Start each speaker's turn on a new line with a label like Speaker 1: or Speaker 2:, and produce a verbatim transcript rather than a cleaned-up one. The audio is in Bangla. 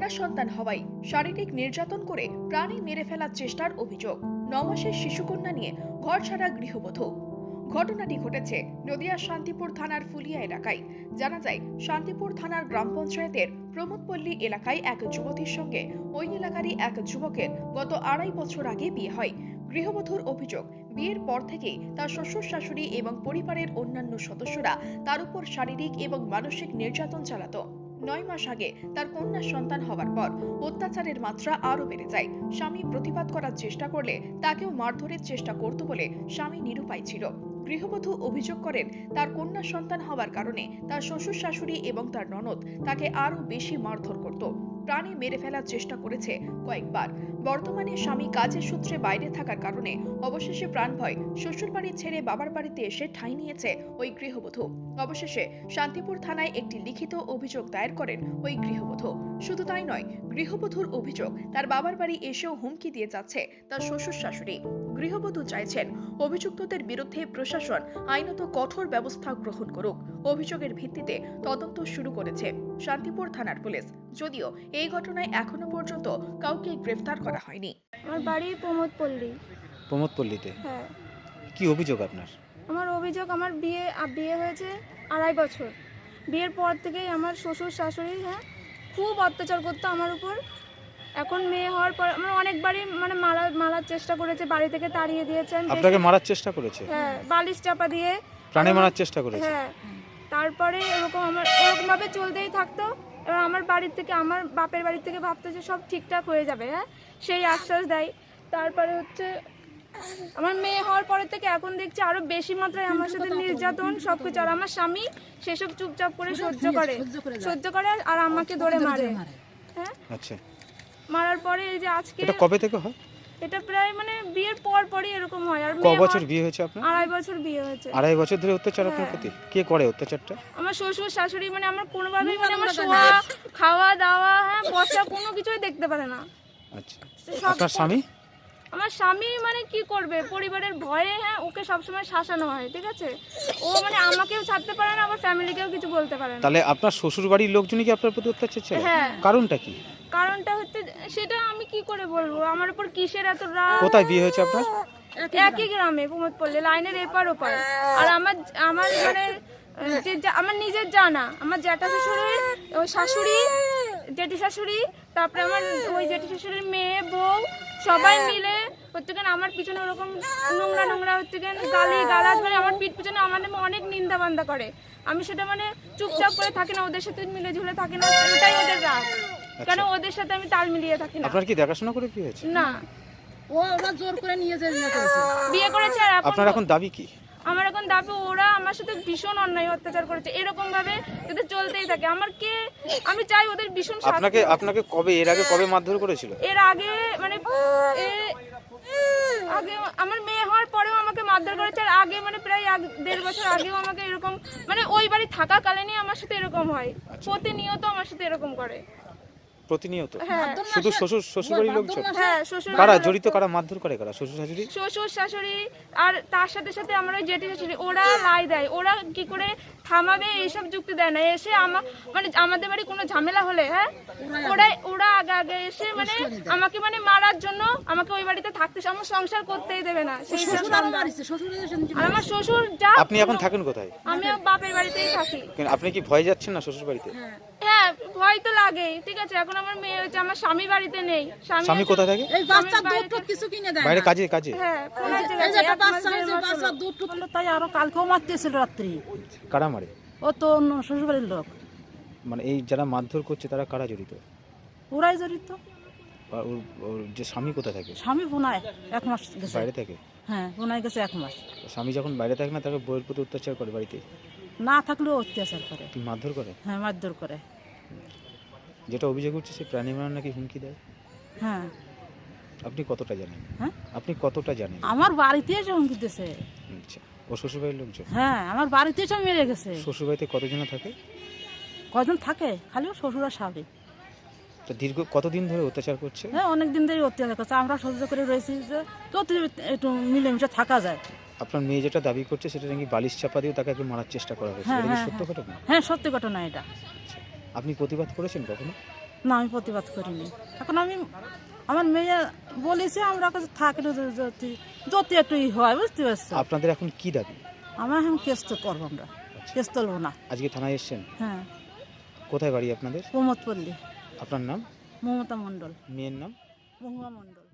Speaker 1: কন্যা সন্তান হওয়ায় শারীরিক নির্যাতন করে প্রাণে মেরে ফেলার চেষ্টার অভিযোগ। নয় মাসের শিশুকন্যা নিয়ে ঘর ছাড়া গৃহবধূ। ঘটনাটি ঘটেছে নদিয়ার শান্তিপুর থানার ফুলিয়া এলাকায়। জানা যায়, শান্তিপুর থানার গ্রাম পঞ্চায়েতের প্রমোদপল্লী এলাকায় এক যুবতীর সঙ্গে ওই এলাকারই এক যুবকের গত আড়াই বছর আগে বিয়ে হয়। গৃহবধূর অভিযোগ, বিয়ের পর থেকেই তার শ্বশুর শাশুড়ি এবং পরিবারের অন্যান্য সদস্যরা তার উপর শারীরিক এবং মানসিক নির্যাতন চালাতো। নয় মাস আগে তার কন্যা সন্তান হওয়ার পর অত্যাচারের মাত্রা আরো বেড়ে যায়। স্বামী প্রতিবাদ করার চেষ্টা করলে তাকেও মারধরের চেষ্টা করত বলে স্বামী নিরুপায় ছিল। গৃহবধূ অভিযোগ করেন, তার কন্যা সন্তান হওয়ার কারণে তার শ্বশুর শাশুড়ি এবং তার ননদ তাকে আরো বেশি মারধর করত, প্রাণে মেরে ফেলার চেষ্টা করেছে কয়েকবার। বর্তমানে স্বামী কাজের সূত্রে বাইরে থাকার কারণে অবশেষে প্রাণ ভয় শ্বশুর বাড়ি ছেড়ে বাবার বাড়িতে এসে ঠাঁই নিয়েছে ওই গৃহবধূ। অবশেষে শান্তিপুর থানায় একটি লিখিত অভিযোগ দায়ের করেন ওই গৃহবধূ। শুধু তাই নয়, গৃহবধূর অভিযোগ, তার বাবার বাড়ি এসেও হুমকি দিয়ে যাচ্ছে তার শ্বশুর শাশুড়ি। গৃহবধূ চাইছেন অভিযুক্তদের বিরুদ্ধে প্রশাসন আইনত কঠোর ব্যবস্থা গ্রহণ করুক। অভিযোগের ভিত্তিতে তদন্ত শুরু করেছে শান্তিপুর থানার পুলিশ, যদিও এই ঘটনায় এখনো পর্যন্ত কাউকে গ্রেফতার করা হয়নি।
Speaker 2: আমার বাড়ি প্রমোদপল্লী।
Speaker 3: প্রমোদপল্লীতে?
Speaker 2: হ্যাঁ।
Speaker 3: কি অভিযোগ আপনার?
Speaker 2: আমার অভিযোগ, আমার বিয়ে বিয়ে হয়েছে আড়াই বছর। বিয়ের পর থেকেই আমার শ্বশুর শাশুড়ি হ্যাঁ খুব অত্যাচার করতো আমার উপর। এখন মেয়ে হওয়ার পর আমার অনেকবারই মানে মারা মারার চেষ্টা করেছে, বাড়ি থেকে তাড়িয়ে দিয়েছেন।
Speaker 3: আপনাকে মারার চেষ্টা করেছে?
Speaker 2: হ্যাঁ, বালিশ চাপা দিয়ে
Speaker 3: প্রাণে মারার চেষ্টা করেছে?
Speaker 2: হ্যাঁ। তারপরে এরকম আমার এরকম ভাবে চলতেই থাকতো। এবার আমার বাড়ির থেকে, আমার বাপের বাড়ি থেকে ভাবতো যে সব ঠিকঠাক হয়ে যাবে, হ্যাঁ সেই আশ্বাস দেয়। তারপরে হচ্ছে আমার মেয়ে হওয়ার পরে থেকে এখন দেখছি আরো বেশি মাত্রায় আমার সাথে নির্যাতন সবকিছু। আর আমার স্বামী সেসব চুপচাপ করে সহ্য করে সহ্য করে আর আমাকে ধরে মারে। হ্যাঁ,
Speaker 3: আচ্ছা।
Speaker 2: মারার পরে এই যে আজকে,
Speaker 3: এটা কবে থেকে হয়?
Speaker 2: এটা প্রায় মানে বিয়ের পর পরই এরকম হয়। আর
Speaker 3: কত বছর বিয়ে হয়েছে আপনার?
Speaker 2: আড়াই বছর বিয়ে হয়েছে।
Speaker 3: আড়াই বছর ধরে অত্যাচার আপনার প্রতি? কে করে অত্যাচারটা?
Speaker 2: আমার শ্বশুর শাশুড়ি। মানে আমার কোনোভাবেই মানে আমার শোয়া খাওয়া দাওয়া হ্যাঁ বসা কোনো কিছুই দেখতে পারে না।
Speaker 3: আচ্ছা। আপনার স্বামী?
Speaker 2: আমার স্বামী মানে কি করবে, পরিবারের ভয়ে হ্যাঁ ওকে সবসময় শাসানো হয়, ঠিক আছে। ও মানে আমাকেও ছাড়তে পারে না, আমার ফ্যামিলিকেও কিছু বলতে পারে না।
Speaker 3: তাহলে আপনার শ্বশুর বাড়ির লোকজনই কি আপনার প্রতি অত্যাচার চালায়?
Speaker 2: হ্যাঁ।
Speaker 3: কারণটা কি?
Speaker 2: কারণটা হচ্ছে সেটা আমি কি করে বলবো, আমার উপর কিসের এত রাগ।
Speaker 3: কোথায় বিয়ে হয়েছে আপনার?
Speaker 2: একই গ্রামে, প্রমোদপল্লী লাইনের এপার ওপার। আর আমার আমার মানে যে আমার নিজের জানা, আমার জ্যাঠা শাশুড়ি, ওই শাশুড়ি, জেঠি শাশুড়ি, তারপরে আমার ওই জেঠি শাশুড়ির মেয়ে বউ সবাই মিলে হচ্ছে আমার পিছনে ওরকম নোংরা নোংরা হচ্ছে গালি গালাজ মানে আমার পিঠ পিছনে আমার নামে অনেক নিন্দা বান্দা করে। আমি সেটা মানে চুপচাপ করে থাকি না, ওদের সাথে মিলে ঝুলে থাকি না, এটাই ওদের রাগ। কেন ওদের সাথে আমি তাল মিলিয়ে থাকি না।
Speaker 3: আপনার কি দেখাশোনা করে বিয়ে হয়েছে?
Speaker 2: না,
Speaker 4: ও ওরা জোর করে নিয়ে যায় বিয়ে করেছে।
Speaker 2: বিয়ে করেছে। আর
Speaker 3: আপনার এখন দাবি কি?
Speaker 2: আমার এখন দাবি, ওরা আমার সাথে ভীষণ অন্যায় অত্যাচার করেছে, এরকম ভাবে যদি চলতেই থাকে আমার কে, আমি চাই ওদের ভীষণ শাস্তি।
Speaker 3: আপনাকে আপনাকে কবে এর আগে কবে মারধর করেছিল?
Speaker 2: এর আগে মানে আগে আমার মেয়ে হওয়ার পরেও আমাকে মারধর করেছে। আর আগে মানে প্রায় দেড় বছর আগেও আমাকে এরকম মানে ওই বাড়ি থাকাকালীনই আমার সাথে এরকম হয়। প্রতিনিয়ত আমার সাথে এরকম করে।
Speaker 3: প্রতিনিয়ত?
Speaker 2: হ্যাঁ।
Speaker 3: শুধু শ্বশুর শ্বশুর বাড়ির লোকজন?
Speaker 2: হ্যাঁ, শ্বশুর।
Speaker 3: কারা জড়িত, কারা মারধর করে, কারা? শ্বশুর শাশুড়ি?
Speaker 2: শ্বশুর শাশুড়ি আর তার সাথে সাথে আমার ওই জেঠি শাশুড়ি, ওরা লাই দেয়। ওরা কি করে থামাবে এইসব যুক্তি দেয় না। এসে আমার মানে আমাদের বাড়ি কোনো ঝামেলা হলে হ্যাঁ ওরা ওরা আগে আগে এসে মানে আমাকে মানে মারার জন্য আমাকে ওই বাড়িতে থাকতে, আমার সংসার করতেই দেবে না। সেই আর আমার শ্বশুর যা।
Speaker 3: আপনি এখন থাকেন কোথায়?
Speaker 2: আমি বাপের বাড়িতেই থাকি।
Speaker 3: আপনি কি ভয় যাচ্ছেন না শ্বশুর বাড়িতে?
Speaker 2: হ্যাঁ, ভয় তো লাগেই, ঠিক আছে। এখন আমার মেয়ে হচ্ছে, আমার স্বামী বাড়িতে নেই।
Speaker 3: স্বামী কোথায় থাকে?
Speaker 4: এই বাচ্চা দুধ টুধ কিছু কিনে দেয়
Speaker 3: বাইরে কাজে কাজে?
Speaker 2: হ্যাঁ,
Speaker 4: এই যে একটা বাচ্চা এই যে বাচ্চা দুধ টুধ তাই আরো কালকেও মারতেছিল রাত্রি।
Speaker 3: কারা মারে?
Speaker 4: ও তো শ্বশুর বাড়ির লোক।
Speaker 3: মানে এই যারা মারধর করছে তারা কারা জড়িত?
Speaker 4: ওরাই জড়িত।
Speaker 3: আর ওর ওর যে স্বামী কোথায় থাকে?
Speaker 4: স্বামী বোনায় এক মাস গেছে।
Speaker 3: বাইরে থাকে?
Speaker 4: হ্যাঁ, বোনায় গেছে এক মাস।
Speaker 3: স্বামী যখন বাইরে থাকে না, তাকে বউয়ের প্রতি অত্যাচার করে বাড়িতে?
Speaker 4: না থাকলেও অত্যাচার করে।
Speaker 3: কি মারধর করে?
Speaker 4: হ্যাঁ, মারধর করে।
Speaker 3: যেটা অভিযোগ হচ্ছে সে প্রাণী মারার নাকি হুমকি দেয়।
Speaker 4: হ্যাঁ।
Speaker 3: আপনি কতটা জানেন?
Speaker 4: হ্যাঁ,
Speaker 3: আপনি কতটা জানেন?
Speaker 4: আমার বাড়িতে এসে হুমকি দিতেছে।
Speaker 3: আচ্ছা, ও শ্বশুরবাড়ির লোকজন?
Speaker 4: হ্যাঁ, আমার বাড়িতে এসে মেরে গেছে।
Speaker 3: শ্বশুরবাড়িতে কতজন থাকে?
Speaker 4: কজন থাকে? খালি শ্বশুর আর স্বামী।
Speaker 3: তো দীর্ঘ কতদিন ধরে অত্যাচার করছে?
Speaker 4: হ্যাঁ, অনেক দিন ধরে অত্যাচার করছে। আমরা সহ্য করে রয়েছি যে যত একটু মিলেমিশে থাকা যায়।
Speaker 3: আপনার মেয়ে যেটা দাবি করছে সেটা নাকি বালিশ চাপা দিয়ে তাকে একটু মারার চেষ্টা করা হয়েছে,
Speaker 4: হ্যাঁ,
Speaker 3: এটা কি
Speaker 4: হ্যাঁ,
Speaker 3: সত্য ঘটনা?
Speaker 4: হ্যাঁ, সত্যি ঘটনা এটা।
Speaker 3: আপনি প্রতিবাদ করেছেন কখনো?
Speaker 4: না আমি প্রতিবাদ করিনি। এখন আমি আমার মেয়ে বলেছে আমরা কাছে থাকি না, যদি যদি একটু ই হয়, বুঝতে পারছো।
Speaker 3: আপনাদের এখন কি দাবি?
Speaker 4: আমরা এখন কেস তো করবো, আমরা কেস তুলবো না।
Speaker 3: আজকে থানায় এসেছেন?
Speaker 4: হ্যাঁ,
Speaker 3: কোথায় বাড়ি আপনাদের?
Speaker 4: প্রমোদ পল্লী।
Speaker 3: আপনার নাম?
Speaker 4: মমতা মণ্ডল।
Speaker 3: মেয়ের নাম?
Speaker 4: মহুয়া মণ্ডল।